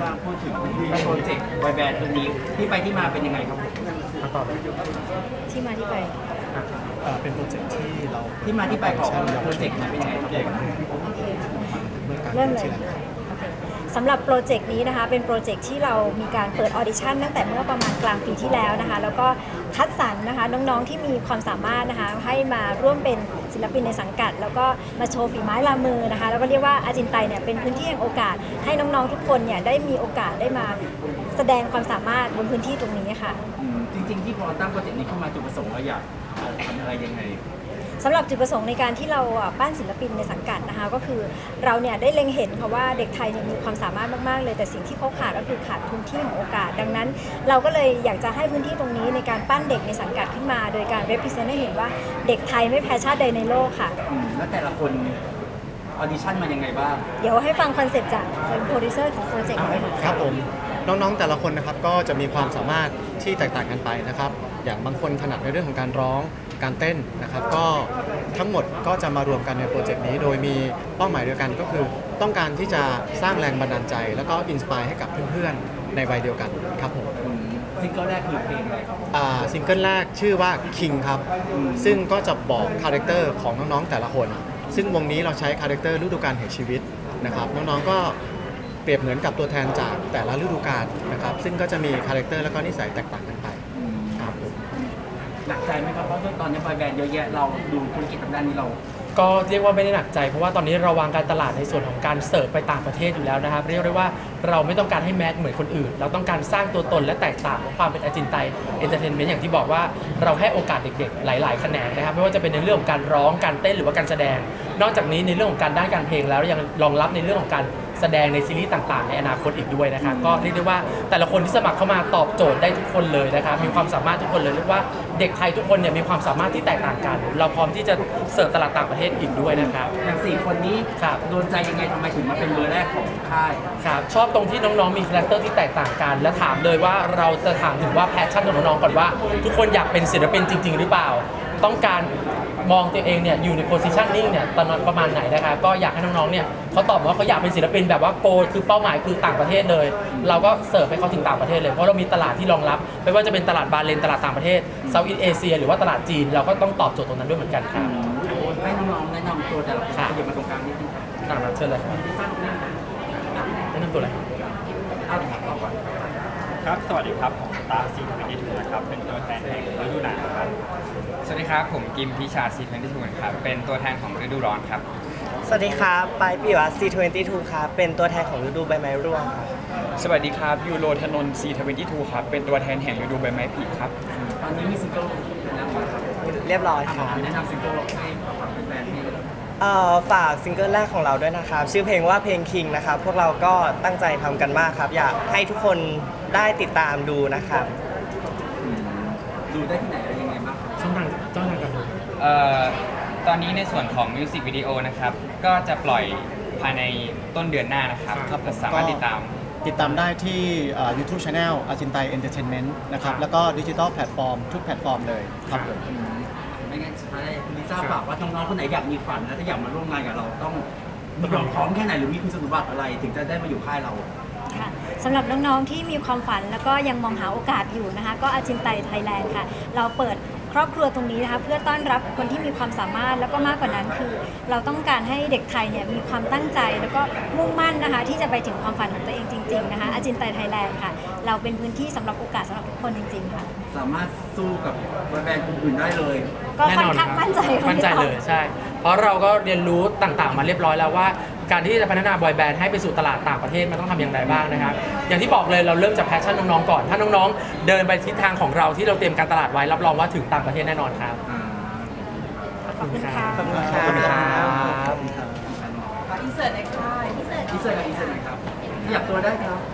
ทราบพูดถึงโปรเจกต์บอยแบนด์ตัวนี้ที่ไปที่มาเป็นยังไงครับผมต่อเลยที่มาที่ไปเป็นโปรเจกต์ที่เราที่มาที่ไปของโปรเจกต์นี้เป็นยังไงครับผมโอเคเมื่อการเริ่มเลยที่แล้วโอเคสำหรับโปรเจกต์นี้นะคะเป็นโปรเจกต์ที่เรามีการเปิดออดิชั่นตั้งแต่เมื่อประมาณกลางปีที่แล้วนะคะแล้วก็คัดสรรนะคะน้องๆที่มีความสามารถนะคะให้มาร่วมเป็นศิลปินในสังกัด แล้วก็มาโชว์ฝีไม้ลายมือนะคะแล้วก็เรียกว่าอาจินไตเนี่ยเป็นพื้นที่แห่งโอกาสให้น้องๆทุกคนเนี่ยได้มีโอกาสได้มาแสดงความสามารถบนพื้นที่ตรงนี้ค่ะจริงๆที่พอตั้งโปรเจกต์นี้เข้ามาจุดประสงค์เราอยากทำอะไรยังไงสำหรับจุดประสงค์ในการที่เราปั้นศิลปินในสังกัดนะคะก็คือเราเนี่ยได้เล็งเห็นค่ะว่าเด็กไทยเนี่ยมีความสามารถมากๆเลยแต่สิ่งที่เขาขาดก็คือขาดพื้นที่ของโอกาส ดังนั้น เราก็เลยอยากจะให้พื้นที่ตรงนี้ในการปั้นเด็กในสังกัดขึ้นมา โดยการ represent ให้เห็นว่าเด็กไทยไม่แพ้ชาติใดในโลกค่ะแล้วแต่ละคนออดิชั่นมายังไงบ้างเดี๋ยวให้ฟังคอนเซปต์จากโปรดิวเซอร์ของโปรเจกต์เลยค่ะครับผมน้องๆแต่ละคนนะครับก็จะมีความสามารถที่แตกต่างกันไปนะครับอย่างบางคนถนัดในเรื่องของการร้องการเต้นนะครับก็ทั้งหมดก็จะมารวมกันในโปรเจกต์นี้โดยมีเป้าหมายเดียวกันก็คือต้องการที่จะสร้างแรงบันดาลใจ แล้วก็อินสปายให้กับเพื่อนๆในวัยเดียวกันครับผมซิงเกิลแรกคือเพลงอะไรครับซิงเกิลแรกชื่อว่า King ครับซึ่งก็จะบอกคาแรคเตอร์ของน้องๆแต่ละคน ซึ่งวงนี้เราใช้คาแรคเตอร์ฤดูกาลแห่งชีวิตนะครับน้องๆก็เปรียบเหมือนกับตัวแทนจากแต่ละฤดูกาลนะครับซึ่งก็จะมีคาแรคเตอร์แล้วก็นิสัยแตกต่างกันไปครับผมหนักใจไหมครับเพราะว่าตอนนี้บอยแบนด์เยอะแยะเราดูธุรกิจทางด้านนี้เราก็เรียกว่าไม่ได้หนักใจเพราะว่าตอนนี้เราวางการตลาดในส่วนของการเสิร์ฟไปต่างประเทศอยู่แล้วนะครับเรียกได้ว่าเราไม่ต้องการให้แมสเหมือนคนอื่น เราต้องการสร้างตัวตนและแตกต่างของความเป็นอาจินไตเอนเตอร์เทนเมนต์อย่างที่บอกว่าเราให้โอกาสเด็กๆหลายๆแขนงนะครับไม่ว่าจะเป็นในเรื่องของการร้องการเต้นหรือว่าการแสดง นอกจากนี้ในเรื่องของการด้านการเพลงแล้วยังรองรับในเรื่องของการแสดงในซีรีส์ต่างๆในอนาคตอีกด้วยนะครับก็เรียกได้ว่าแต่ละคนที่สมัครเข้ามาตอบโจทย์ได้ทุกคนเลยนะครับมีความสามารถทุกคนเลยเรียกว่าเด็กไทยทุกคนเนี่ยมีความสามารถที่แตกต่างกัน เราพร้อมที่จะเสิร์ฟตลาดต่างประเทศอีกด้วยนะครับอย่างสี่คนนี้ครับโดนใจยังไงทำไมถึงมาเป็นเบอร์แรกของค่ายครับชอบตรงที่น้องๆมีคาแรคเตอร์ที่แตกต่างกัน และถามเลยว่าเราจะถามถึงว่าแพชชั่นของน้องๆก่อนว่า ทุกคนอยากเป็นศิลปินจริง ๆ หรือเปล่า ต้องการมองตัวเองเนี่ยอยู่ในโพสิชันนิ่งเนี่ยตอนนั้นประมาณไหนนะครับก็อยากให้น้องๆเนี่ยเขาตอบว่าเขาอยากเป็นศิลปินแบบว่าโกคือเป้าหมายคือต่างประเทศเลย เราก็เสิร์ฟให้เขาถึงต่างประเทศเลยเพราะเรามีตลาดที่รองรับไม่ว่าจะเป็นตลาดบาเลนตลาดต่างประเทศเซาท์อีสเอเชียหรือว่าตลาดจีนเราก็ต้องตอบโจทย์ตรงนั้นด้วยเหมือนกันครับให้น้องๆแนะนำตัวแต่ละคนครับขยับมาตรงกลางนิดนึงตามนั้นเชิญเลยครับแนะนำตัวเลยเอาต่อก่อนครับ สวัสดีครับ ผมตาซีทวินตี้ทูนะครับ เป็นตัวแทนแห่งฤดูหนาวครับสวัสดีครับ ผมกิมพิชาซีทเวนตี้ทูครับ เป็นตัวแทนของฤดูร้อนครับสวัสดีครับปายปิยวัฒน์ C22 ครับ เป็นตัวแทนของฤดูใบไม้ร่วงครับสวัสดีครับยูโรธนนท์ซีทวินตี้ทูครับ เป็นตัวแทนแห่งฤดูใบไม้ผลิครับตอนนี้มีซิงเกิลแล้วครับเรียบร้อยครับแนะนำซิงเกิลให้ฝากแฟนๆที่ฝากซิงเกิลแรกของเราด้วยนะครับ ชื่อเพลงว่าเพลง King นะครับ พวกเราก็ตั้งใจทำกันมากครับ อยากให้ทุกคนได้ติดตามดูนะครับดูได้ที่ไหนอะไรยังไงบ้างครับช่องทางการดูตอนนี้ในส่วนของมิวสิกวิดีโอนะครับ ก็จะปล่อยภายในต้นเดือนหน้านะครับครับผมสามารถติดตามติดตามได้ที่YouTube Channel อาจินไตเอนเตอร์เทนเมนต์นะครับแล้วก็ดิจิทัลแพลตฟอร์มทุกแพลตฟอร์มเลยครับผมไม่งั้นสุดท้ายคุณลิซ่าฝากว่าน้องๆคนไหนอยากมีฝันและถ้าอยากมาร่วมงานกับเราต้องมีความพร้อมแค่ไหนหรือมีคุณสมบัติอะไร ถึงจะได้มาอยู่ค่ายเราค่ะสำหรับน้องๆที่มีความฝันแล้วก็ยังมองหาโอกาสอยู่นะคะก็อาจินไตไทยแลนด์ค่ะเราเปิดครอบครัวตรงนี้นะคะเพื่อต้อนรับคนที่มีความสามารถแล้วก็มากกว่านั้นคือ เราต้องการให้เด็กไทยเนี่ยมีความตั้งใจแล้วก็มุ่งมั่นนะคะที่จะไปถึงความฝันของตัวเองจริงๆนะคะอาจินไตไทยแลนด์ค่ะเราเป็นพื้นที่สำหรับโอกาสสำหรับทุกคนจริงๆค่ะสามารถสู้กับบอยแบนด์อื่นๆได้เลยก็ค่อนข้างมั่นใจมั่นใจเลยใช่ เพราะเราก็เรียนรู้ต่างๆมาเรียบร้อยแล้วว่า การที่จะพัฒนาบอยแบนด์ให้ไปสู่ตลาดต่างประเทศมันต้องทำอย่างไรบ้างนะครับอย่างที่บอกเลยเราเริ่มจากแพชชั่นน้องๆก่อนถ้าน้องๆเดินไปทิศทางของเราที่เราเตรียมการตลาดไว้รับรองว่าถึงต่างประเทศแน่นอนครับขอบคุณค่ะขอบคุณคขอบคุณครัรับ บอินเสิร์ตกับอินเสิร์ตหน่อยครับขยับตัวได้ครับ